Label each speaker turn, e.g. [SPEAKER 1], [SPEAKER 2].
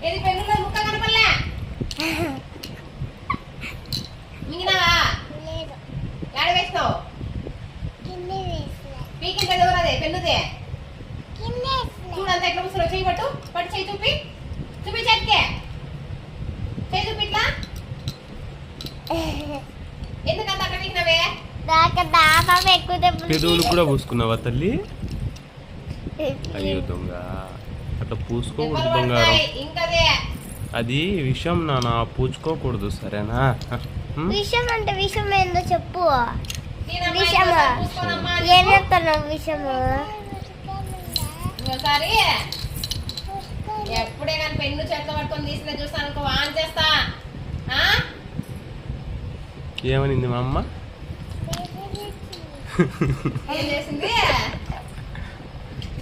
[SPEAKER 1] ఏది పెన్నులో ముక్క కనపడలే మింగినావా ఏడ వేస్తావు పీకింటే ఎవరదే పెన్నుదే చూడంతా ఎట్లా ముసలో చేయి పట్టు పట్టు చేయి చూపి చూపి చేతికే చేయి చూపి ఇట్లా ఎందుకంత అక్కడ పీకినవే
[SPEAKER 2] పెదవులు కూడా పూసుకున్నావా తల్లి? అయ్యో దొంగ, అట్లా పూసుకోకూడదు బంగారం. అది విషం నాన్న, పూచుకోకూడదు సరేనా?
[SPEAKER 3] విషం అంటే విషం ఏందో చెప్పు. విషము ఏం చెప్తున్నావు? విషము
[SPEAKER 1] ఎప్పుడే కానీ పెన్ను చేతిలో పట్టుకొని తీసిన చూస్తాను అనుకో ఆన్ చేస్తా.
[SPEAKER 2] ఏమనింది మా అమ్మ?
[SPEAKER 1] ఏం చేసింది?